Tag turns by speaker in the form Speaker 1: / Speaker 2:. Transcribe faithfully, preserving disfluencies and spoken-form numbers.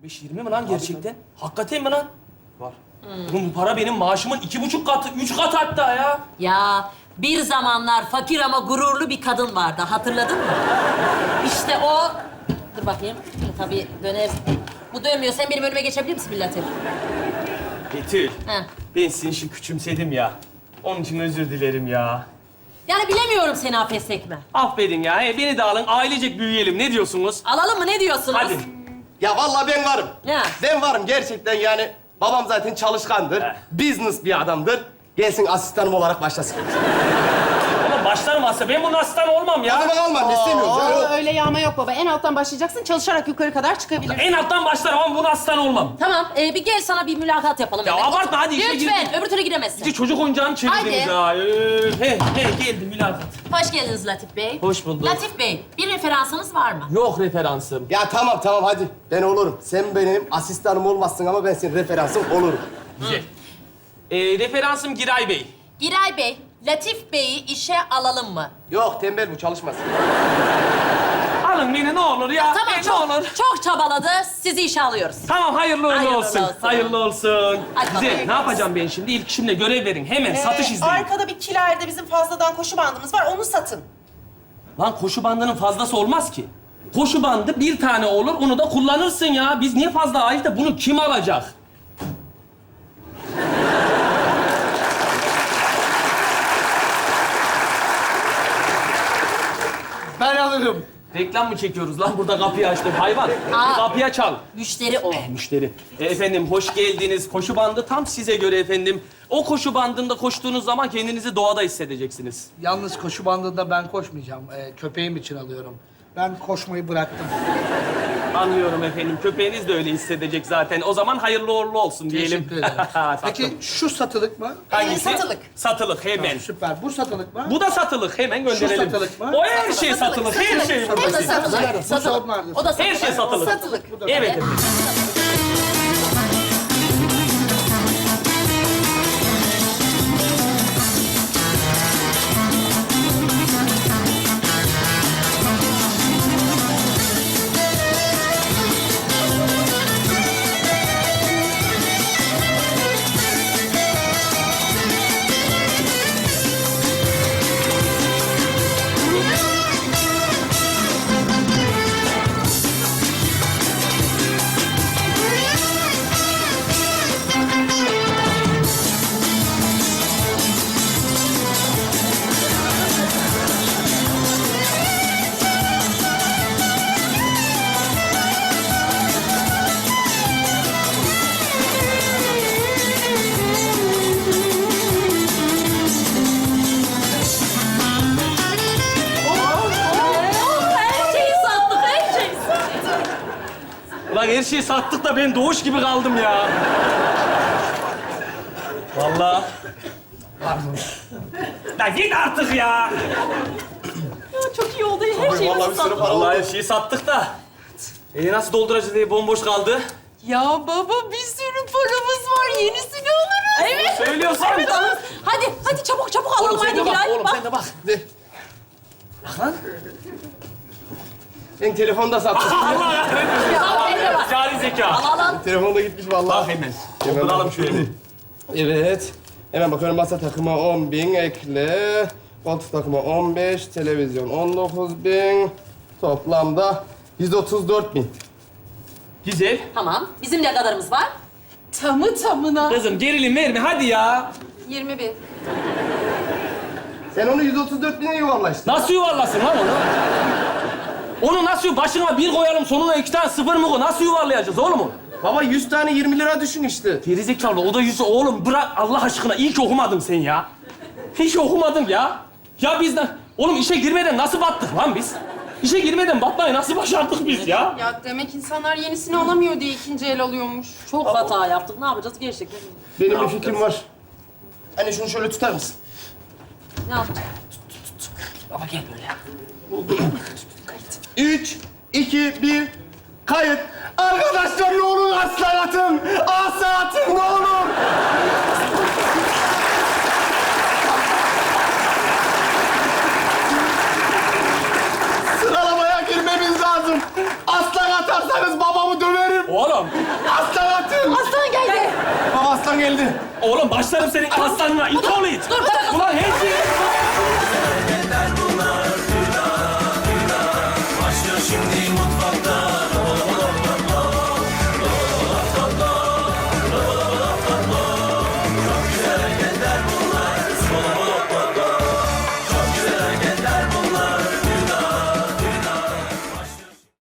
Speaker 1: beş yirmi mi lan gerçekten? Hakikaten mi lan?
Speaker 2: Var.
Speaker 1: Oğlum bu para benim maaşımın iki buçuk katı, üç kat hatta ya.
Speaker 3: Ya bir zamanlar fakir ama gururlu bir kadın vardı. Hatırladın mı? İşte o... Dur bakayım. Tabii döner... Bu dönmüyor. Sen benim önüme geçebilir misin bir Latif?
Speaker 1: Betül,
Speaker 3: He.
Speaker 1: ben seni şimdi küçümsedim ya. Onun için özür dilerim ya.
Speaker 3: Yani bilemiyorum seni affetsek mi?
Speaker 1: Affedin ya, he, beni de alın, ailecek büyüyelim. Ne diyorsunuz?
Speaker 3: Alalım mı? Ne diyorsunuz?
Speaker 1: Hadi.
Speaker 2: Ya vallahi ben varım.
Speaker 3: Ya.
Speaker 2: Ben varım gerçekten yani. Babam zaten çalışkandır.
Speaker 1: He.
Speaker 2: Business bir adamdır. Gelsin asistanım olarak başlasın.
Speaker 1: Ama başlarım aslında. Ben bunun asistanı olmam
Speaker 2: Ya
Speaker 1: ya.
Speaker 2: ben almam, istemiyorum.
Speaker 4: Aa,
Speaker 2: Ya.
Speaker 4: öyle yağma yok baba. En alttan başlayacaksın, çalışarak yukarı kadar çıkabilirsin.
Speaker 1: En alttan başlarım ama bunun asistanı olmam.
Speaker 3: Tamam. e, bir gel sana bir mülakat yapalım.
Speaker 1: Ya
Speaker 3: hemen.
Speaker 1: abartma, hadi işe
Speaker 3: Lütfen.
Speaker 1: girin.
Speaker 3: Öbür türlü giremezsin.
Speaker 1: İşte çocuk oyuncağını çevirdiniz
Speaker 3: Haydi.
Speaker 1: ha. Ee, he, he, geldi mülakat.
Speaker 3: Hoş geldiniz Latif Bey.
Speaker 1: Hoş bulduk.
Speaker 3: Latif Bey, bir referansınız var mı?
Speaker 1: Yok referansım.
Speaker 2: Ya tamam tamam hadi. Ben olurum. Sen benim asistanım olmazsın ama ben senin referansın olurum.
Speaker 1: Güzel. Ee, referansım Giray Bey.
Speaker 3: Giray Bey, Latif Bey'i işe alalım mı?
Speaker 2: Yok tembel bu çalışmaz.
Speaker 1: Alın beni ne olur ya.
Speaker 3: Tamam,
Speaker 1: E,
Speaker 3: çok,
Speaker 1: ne olur.
Speaker 3: çok çabaladı. Sizi işe alıyoruz.
Speaker 1: Tamam, hayırlı uğurlu
Speaker 3: Hayırlı
Speaker 1: olsun.
Speaker 3: olsun.
Speaker 1: Hayırlı olsun.
Speaker 3: Hadi
Speaker 1: Güzel,
Speaker 3: bakalım.
Speaker 1: ne yapacağım ben şimdi? İlk işimle görev verin. Hemen
Speaker 5: Ee,
Speaker 1: satış izleyin.
Speaker 5: Arkada bir kilerde bizim fazladan koşu bandımız var. Onu satın.
Speaker 1: Lan koşu bandının fazlası olmaz ki. Koşu bandı bir tane olur, onu da kullanırsın ya. Biz niye fazla ait de bunu kim alacak?
Speaker 2: Ben alırım.
Speaker 1: Reklam mı çekiyoruz lan? Burada kapıyı açtım. Hayvan.
Speaker 3: Aa.
Speaker 1: Kapıya çal.
Speaker 3: Müşteri o.
Speaker 1: Müşteri. E, efendim hoş geldiniz. Koşu bandı tam size göre efendim. O koşu bandında koştuğunuz zaman kendinizi doğada hissedeceksiniz.
Speaker 6: Yalnız koşu bandında ben koşmayacağım. Ee, köpeğim için alıyorum. Ben koşmayı bıraktım.
Speaker 1: Anlıyorum efendim. Köpeğiniz de öyle hissedecek zaten. O zaman hayırlı uğurlu olsun diyelim.
Speaker 6: Teşekkür ederim.
Speaker 1: Sattım.
Speaker 6: Peki şu satılık mı?
Speaker 1: Hangisi?
Speaker 5: Ee, satılık.
Speaker 1: Satılık hemen.
Speaker 6: Süper. Bu satılık mı?
Speaker 1: Bu da satılık. Hemen gönderelim.
Speaker 6: satılık mı?
Speaker 1: O her şey satılık. Her şey.
Speaker 3: O da
Speaker 6: Nerede?
Speaker 3: satılık.
Speaker 6: Bu
Speaker 3: Satılık.
Speaker 6: nerede?
Speaker 3: O da satılık.
Speaker 1: Her şey satılık.
Speaker 3: Satılık.
Speaker 1: Evet efendim.
Speaker 3: Her şeyi sattık, her şeyi sattık.
Speaker 1: Ulan her şeyi sattık da ben doğuş gibi kaldım ya. Vallahi. Ya git artık ya.
Speaker 3: Çok iyi oldu. Her şeyi
Speaker 2: Vallahi bir sürü para oldu.
Speaker 1: Vallahi her şeyi sattık da. E nasıl dolduracağız diye bomboş kaldı.
Speaker 4: Ya baba bir sürü paramız var. Yenisini alırız.
Speaker 3: Evet.
Speaker 1: Söylüyorsun.
Speaker 3: Evet alırız. Hadi, hadi çabuk çabuk alalım.
Speaker 1: Oğlum sen
Speaker 3: Hadi
Speaker 1: de bak,
Speaker 3: Giray,
Speaker 1: oğlum sen de bak.
Speaker 2: De. Ben telefonda sattım.
Speaker 1: Allah ya.
Speaker 3: Al, eline bak.
Speaker 1: Cari zeka.
Speaker 3: Al, al.
Speaker 2: Telefonda gitmiş
Speaker 1: Bak
Speaker 2: vallahi.
Speaker 1: hemen. Dolduralım şöyle.
Speaker 2: Evet. Hemen bakıyorum masa takımı on bin ekle. Koltuk takımı on beş, televizyon on dokuz bin. Toplamda yüz otuz dört bin.
Speaker 1: Güzel.
Speaker 3: Tamam. Bizim ne kadarımız var?
Speaker 4: Tamı tamına.
Speaker 1: Kızım gerilim verme hadi ya.
Speaker 4: yirmi bin.
Speaker 2: Sen onu yüz otuz dört bine yuvarla işte.
Speaker 1: Nasıl yuvarlasın lan onu? Onu nasıl başına bir koyalım sonuna iki tane sıfır mı koy? Nasıl yuvarlayacağız oğlum onu?
Speaker 2: Baba yüz tane yirmi lira düşün işte.
Speaker 1: Gerizekalı o da yüzü oğlum bırak Allah aşkına ilk okumadın sen ya. Hiç okumadın ya. Ya biz de oğlum işe girmeden nasıl battık lan biz? İşe girmeden batmayı nasıl başardık biz ya?
Speaker 4: Ya demek insanlar yenisini alamıyor diye ikinci el alıyormuş.
Speaker 3: Çok hata yaptık. Ne yapacağız gerçekten?
Speaker 2: Benim bir fikrim var. Anne şunu şöyle tutar mısın?
Speaker 3: Ne yapacağız?
Speaker 1: Baba gel böyle.
Speaker 2: Üç, iki, bir, kayıt. Arkadaşlar ne olur aslan atın. Asa atın ne olur. Sıralamaya girmemiz lazım. Aslan atarsanız babamı döverim.
Speaker 1: Oğlum oğlum.
Speaker 2: Aslan atın!
Speaker 3: Aslan geldi.
Speaker 2: Baba aslan geldi.
Speaker 1: Oğlum başlarım senin aslanına. İt oğlu it.
Speaker 3: Dur